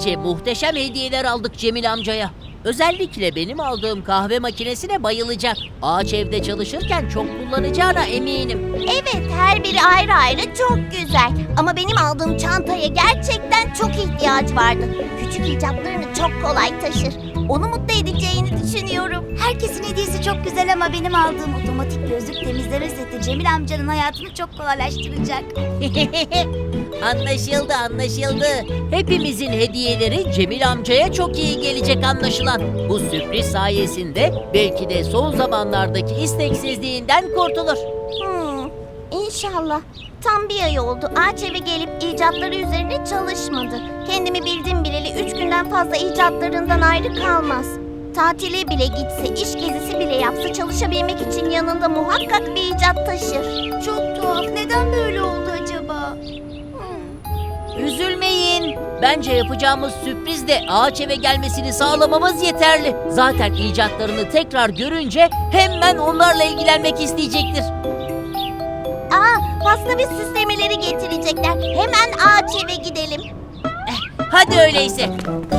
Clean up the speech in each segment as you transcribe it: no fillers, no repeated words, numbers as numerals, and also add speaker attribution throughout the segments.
Speaker 1: gece muhteşem hediyeler aldık Cemil amcaya. Özellikle benim aldığım kahve makinesine bayılacak. Ağaç evde çalışırken çok kullanacağına eminim.
Speaker 2: Evet, her biri ayrı ayrı çok güzel. Ama benim aldığım çantaya gerçekten çok ihtiyaç vardı. Küçük icatlarını çok kolay taşır. Onu mutlu edeceğini düşünüyorum.
Speaker 3: Herkesin hediyesi çok güzel ama benim aldığım otomatik gözlük temizleme seti Cemil amcanın hayatını çok kolaylaştıracak.
Speaker 1: Anlaşıldı, anlaşıldı. Hepimizin hediyeleri Cemil amcaya çok iyi gelecek anlaşılan. Bu sürpriz sayesinde belki de son zamanlardaki isteksizliğinden kurtulur.
Speaker 2: İnşallah. Tam bir ay oldu. Ağaç eve gelip icatları üzerine çalışmadı. Kendimi bildim bileli 3 günden fazla icatlarından ayrı kalmaz. Tatile bile gitse, iş gezisi bile yapsa çalışabilmek için yanında muhakkak bir icat taşır.
Speaker 3: Çok tuhaf. Neden böyle oldu acaba?
Speaker 1: Üzülmeyin. Bence yapacağımız sürprizle ağaç eve gelmesini sağlamamız yeterli. Zaten icatlarını tekrar görünce hemen onlarla ilgilenmek isteyecektir.
Speaker 2: Pasta ve süslemeleri getirecekler. Hemen ağaç eve gidelim.
Speaker 1: Hadi öyleyse.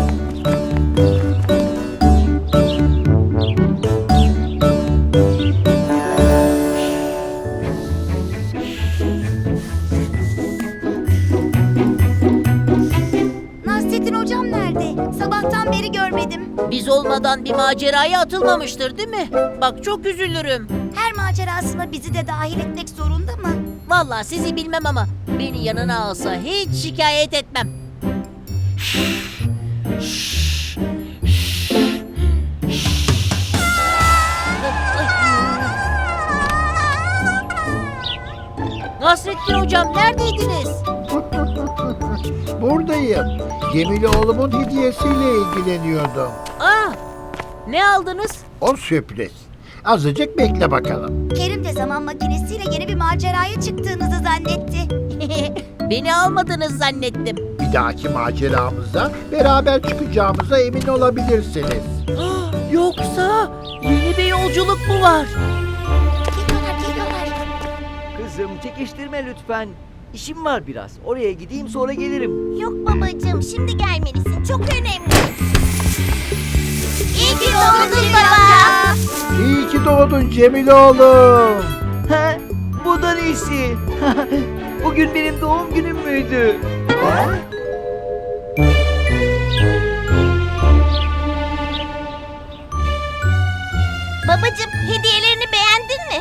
Speaker 3: Nasrettin hocam nerede? Sabahtan beri görmedim.
Speaker 1: Biz olmadan bir maceraya atılmamıştır değil mi? Bak çok üzülürüm.
Speaker 3: Her macerasına bizi de dahil etmek zorunda mı?
Speaker 1: Vallahi sizi bilmem ama beni yanına alsa hiç şikayet etmem. Nasrettin hocam neredeydiniz?
Speaker 4: Buradayım. Cemil oğlumun hediyesiyle ilgileniyordum.
Speaker 1: Ne aldınız?
Speaker 4: O sürpriz. Azıcık bekle bakalım.
Speaker 3: Kerim de zaman makinesiyle yeni bir maceraya çıktığınızı zannetti.
Speaker 1: Beni almadınız zannettim.
Speaker 4: Bir dahaki maceramızda beraber çıkacağımıza emin olabilirsiniz.
Speaker 1: Yoksa yeni bir yolculuk mu var?
Speaker 3: Geliyorlar.
Speaker 5: Kızım çekiştirme lütfen. İşim var biraz. Oraya gideyim sonra gelirim.
Speaker 2: Yok babacığım, şimdi gelmelisin. Çok önemli. İyi ki doğdun baba.
Speaker 4: İyi ki doğdun Cemil oğlum.
Speaker 5: Ha? Bu da neyisi? Bugün benim doğum günüm müydü? Ha?
Speaker 2: Babacığım, hediyelerini beğendin mi?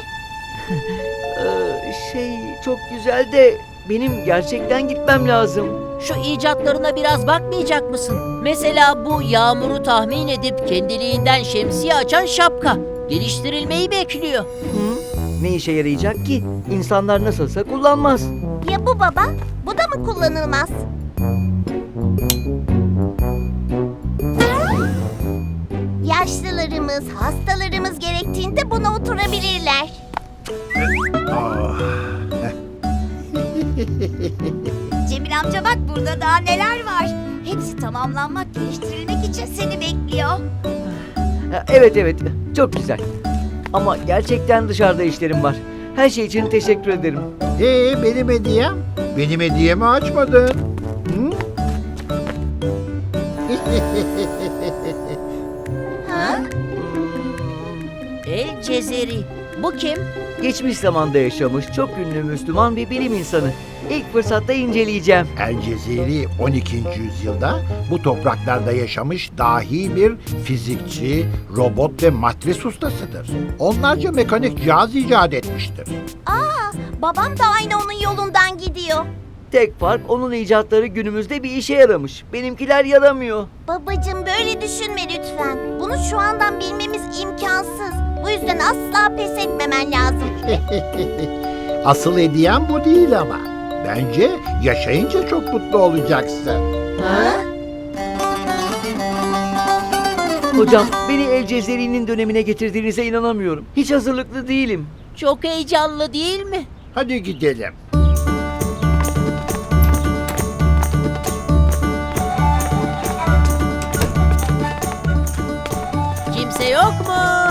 Speaker 5: Çok güzel de benim gerçekten gitmem lazım.
Speaker 1: Şu icatlarına biraz bakmayacak mısın? Mesela bu yağmuru tahmin edip kendiliğinden şemsiye açan şapka. Geliştirilmeyi bekliyor.
Speaker 5: Ne işe yarayacak ki? İnsanlar nasılsa kullanmaz.
Speaker 2: Ya bu baba? Bu da mı kullanılmaz? Yaşlılarımız, hastalarımız gerektiğinde buna oturabilirler.
Speaker 3: Cemil amca bak burada daha neler var. Hepsi tamamlanmak, geliştirilmek için seni bekliyor.
Speaker 5: Evet, çok güzel. Ama gerçekten dışarıda işlerim var. Her şey için teşekkür ederim.
Speaker 4: Benim hediyem? Benim hediyemi açmadın. Hı?
Speaker 1: El Cezeri. Bu kim?
Speaker 5: Geçmiş zamanda yaşamış çok ünlü Müslüman bir bilim insanı. İlk fırsatta inceleyeceğim.
Speaker 4: El Cezeri 12. yüzyılda bu topraklarda yaşamış dahi bir fizikçi, robot ve matris ustasıdır. Onlarca mekanik cihaz icat etmiştir.
Speaker 2: Babam da aynı onun yolundan gidiyor.
Speaker 5: Tek fark onun icatları günümüzde bir işe yaramış. Benimkiler yaramıyor.
Speaker 2: Babacığım böyle düşünme lütfen. Bunu şu andan bilmemiz imkansız. Bu yüzden asla pes etmemen lazım.
Speaker 4: Asıl hediyem bu değil ama. Bence yaşayınca çok mutlu olacaksın.
Speaker 5: Hocam beni El Cezeri'nin dönemine getirdiğinize inanamıyorum. Hiç hazırlıklı değilim.
Speaker 1: Çok heyecanlı değil mi?
Speaker 4: Hadi gidelim.
Speaker 1: Kimse yok mu?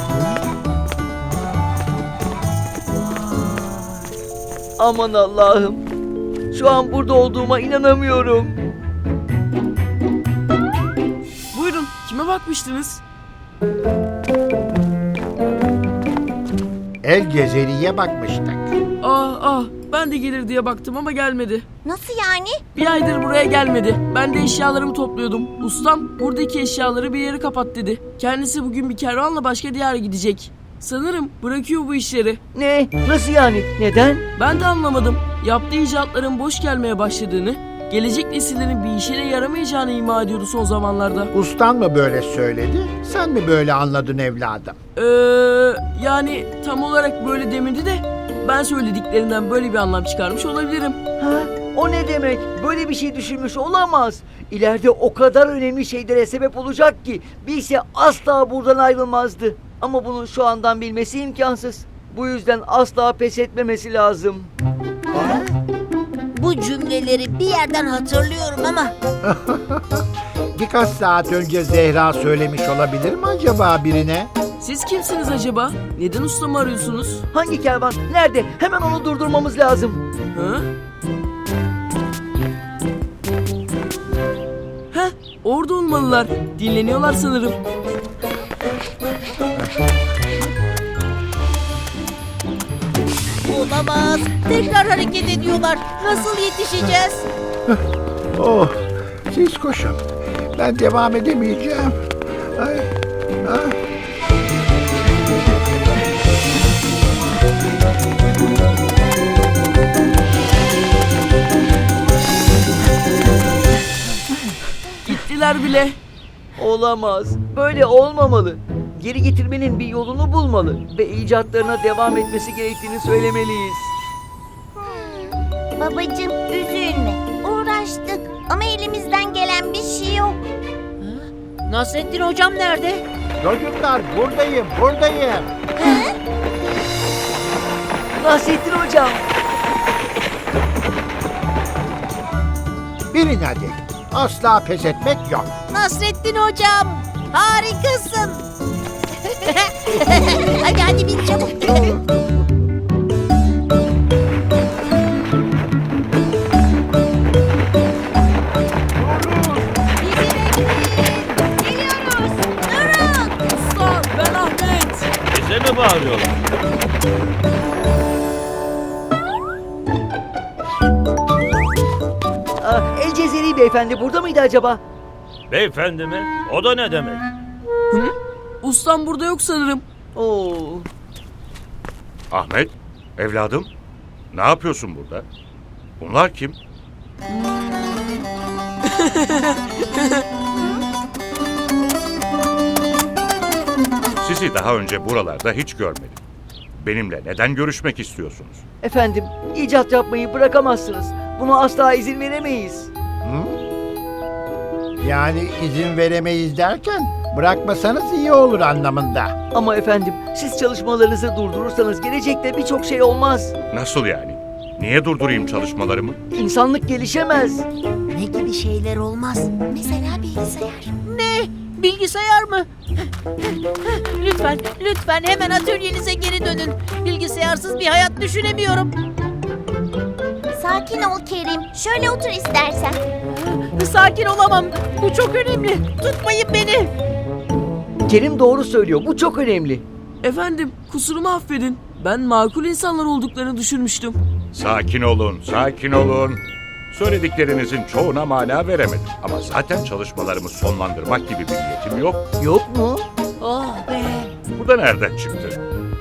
Speaker 5: Aman Allah'ım. Şu an burada olduğuma inanamıyorum.
Speaker 6: kime bakmıştınız?
Speaker 4: El Cezeri'ye bakmıştık.
Speaker 6: Ben de gelir diye baktım ama gelmedi.
Speaker 2: Nasıl yani?
Speaker 6: Bir aydır buraya gelmedi. Ben de eşyalarımı topluyordum. Ustam buradaki eşyaları bir yere kapat dedi. Kendisi bugün bir kervanla başka diyara gidecek. Sanırım bırakıyor bu işleri.
Speaker 5: Ne? Nasıl yani? Neden?
Speaker 6: Ben de anlamadım. Yaptığı icatların boş gelmeye başladığını, gelecek nesillerin bir işine yaramayacağını ima ediyordu son zamanlarda.
Speaker 4: Ustan mı böyle söyledi? Sen mi böyle anladın evladım?
Speaker 6: Yani tam olarak böyle demedi de ben söylediklerinden böyle bir anlam çıkarmış olabilirim.
Speaker 5: Ha? O ne demek? Böyle bir şey düşünmüş olamaz. İleride o kadar önemli şeylere sebep olacak ki bilse asla buradan ayrılmazdı. Ama bunu şu andan bilmesi imkansız. Bu yüzden asla pes etmemesi lazım.
Speaker 1: Bu cümleleri bir yerden hatırlıyorum ama
Speaker 4: Birkaç saat önce Zehra söylemiş olabilir mi acaba birine?
Speaker 6: Siz kimsiniz acaba? Neden ustamı arıyorsunuz?
Speaker 5: Hangi kervan? Nerede? Hemen onu durdurmamız lazım.
Speaker 6: Hı? Heh, orada olmalılar. Dinleniyorlar sanırım.
Speaker 1: olamaz. Tekrar hareket ediyorlar. Nasıl yetişeceğiz?
Speaker 4: Oh, siz koşun. Ben devam edemeyeceğim. Ay, ay.
Speaker 6: Gittiler bile.
Speaker 5: Olamaz. Böyle olmamalı. Geri getirmenin bir yolunu bulmalı ve icatlarına devam etmesi gerektiğini söylemeliyiz.
Speaker 2: Babacığım üzülme. Uğraştık ama elimizden gelen bir şey yok.
Speaker 1: Nasrettin hocam nerede?
Speaker 4: Çocuklar buradayım, buradayım.
Speaker 5: Nasrettin hocam.
Speaker 4: Bilin hadi. Asla pes etmek yok.
Speaker 1: Nasrettin hocam. Harikasın. hadi bin çabuk.
Speaker 6: Usta ben Ahmet.
Speaker 7: Bize mi bağırıyorlar?
Speaker 5: El Cezeri beyefendi burada mıydı acaba?
Speaker 7: Beyefendi mi? O da ne demek?
Speaker 6: Ustam burada yok sanırım.
Speaker 5: Oo.
Speaker 7: Ahmet, evladım. Ne yapıyorsun burada? Bunlar kim? Sizi daha önce buralarda hiç görmedim. Benimle neden görüşmek istiyorsunuz?
Speaker 5: Efendim, icat yapmayı bırakamazsınız. Buna asla izin veremeyiz.
Speaker 4: Yani izin veremeyiz derken bırakmasanız iyi olur anlamında.
Speaker 5: Ama efendim, siz çalışmalarınızı durdurursanız gelecekte birçok şey olmaz.
Speaker 7: Nasıl yani? Niye durdurayım çalışmalarımı?
Speaker 5: İnsanlık gelişemez.
Speaker 1: Ne gibi şeyler olmaz?
Speaker 2: Mesela bilgisayar.
Speaker 1: Ne? Bilgisayar mı? lütfen, lütfen hemen atölyenize geri dönün. Bilgisayarsız bir hayat düşünemiyorum.
Speaker 2: Sakin ol Kerim. Şöyle otur istersen.
Speaker 1: Sakin olamam. Bu çok önemli. Tutmayın beni.
Speaker 5: Kerim doğru söylüyor. Bu çok önemli.
Speaker 6: Efendim kusurumu affedin. Ben makul insanlar olduklarını düşünmüştüm.
Speaker 7: Sakin olun, sakin olun. Söylediklerinizin çoğuna mana veremedim. Ama zaten çalışmalarımı sonlandırmak gibi bir niyetim yok.
Speaker 5: Yok mu?
Speaker 1: Oh be.
Speaker 7: Bu da nereden çıktı?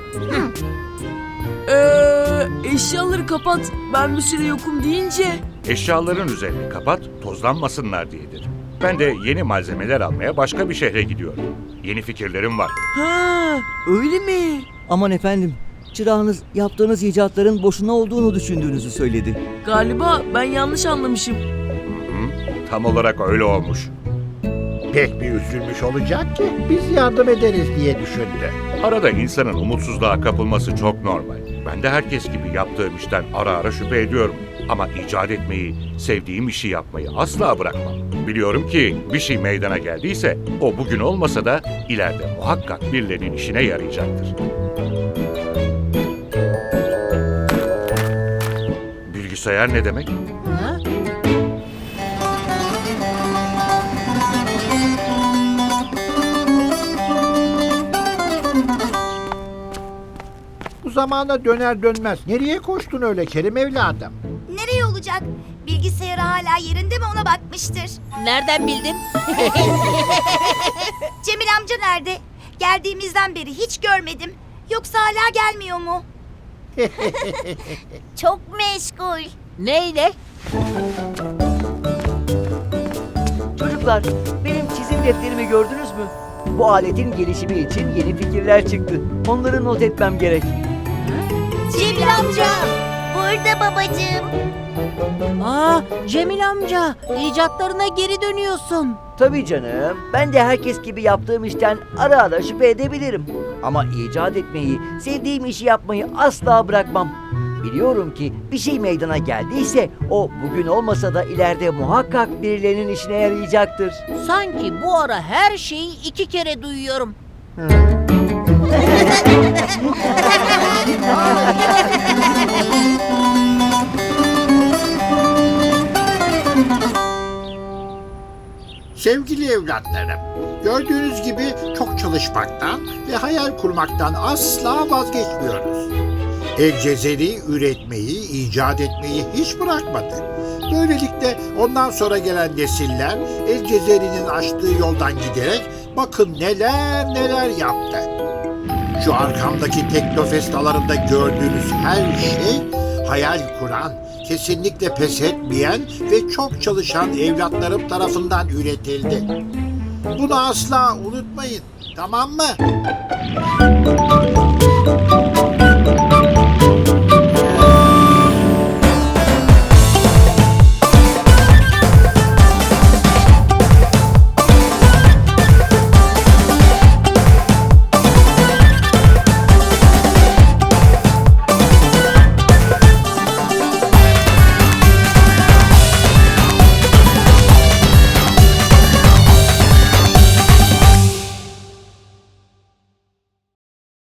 Speaker 6: Eşyaları kapat. Ben bir süre yokum deyince.
Speaker 7: Eşyaların üzerini kapat, tozlanmasınlar diyedir. Ben de yeni malzemeler almaya başka bir şehre gidiyorum. Yeni fikirlerim var.
Speaker 6: Ha, öyle mi?
Speaker 5: Aman efendim, çırağınız yaptığınız icatların boşuna olduğunu düşündüğünüzü söyledi.
Speaker 6: Galiba ben yanlış anlamışım.
Speaker 7: Tam olarak öyle olmuş.
Speaker 4: Pek bir üzülmüş olacak ki biz yardım ederiz diye düşündü.
Speaker 7: Arada insanın umutsuzluğa kapılması çok normal. Ben de herkes gibi yaptığım işten ara ara şüphe ediyorum. Ama icat etmeyi, sevdiğim işi yapmayı asla bırakmam. Biliyorum ki bir şey meydana geldiyse o bugün olmasa da ileride muhakkak birilerinin işine yarayacaktır. Bilgisayar ne demek?
Speaker 1: Ha?
Speaker 4: zamana döner dönmez nereye koştun öyle Kerim evladım?
Speaker 3: Nereye olacak? Bilgisayarı hala yerinde mi ona bakmıştır.
Speaker 1: Nereden bildin?
Speaker 3: Cemil amca nerede? Geldiğimizden beri hiç görmedim. Yoksa hala gelmiyor mu?
Speaker 2: Çok meşgul.
Speaker 1: Neyle?
Speaker 5: Çocuklar, benim çizim defterimi gördünüz mü? Bu aletin gelişimi için yeni fikirler çıktı. Onları not etmem gerek.
Speaker 2: Cemil amca. Burada babacığım.
Speaker 1: Aa, Cemil amca, icatlarına geri dönüyorsun.
Speaker 5: Tabii canım. Ben de herkes gibi yaptığım işten ara ara şüphe edebilirim. Ama icat etmeyi, sevdiğim işi yapmayı asla bırakmam. Biliyorum ki bir şey meydana geldiyse o bugün olmasa da ileride muhakkak birilerinin işine yarayacaktır.
Speaker 1: Sanki bu ara her şeyi 2 kere duyuyorum.
Speaker 4: Sevgili evlatlarım, gördüğünüz gibi çok çalışmaktan ve hayal kurmaktan asla vazgeçmiyoruz. El Cezeri üretmeyi, icat etmeyi hiç bırakmadı. Böylelikle ondan sonra gelen nesiller El Cezeri'nin açtığı yoldan giderek bakın neler neler yaptı. Şu arkamdaki Teknofest alanında gördüğünüz her şey hayal kuran, kesinlikle pes etmeyen ve çok çalışan evlatlarım tarafından üretildi. Bunu asla unutmayın, tamam mı?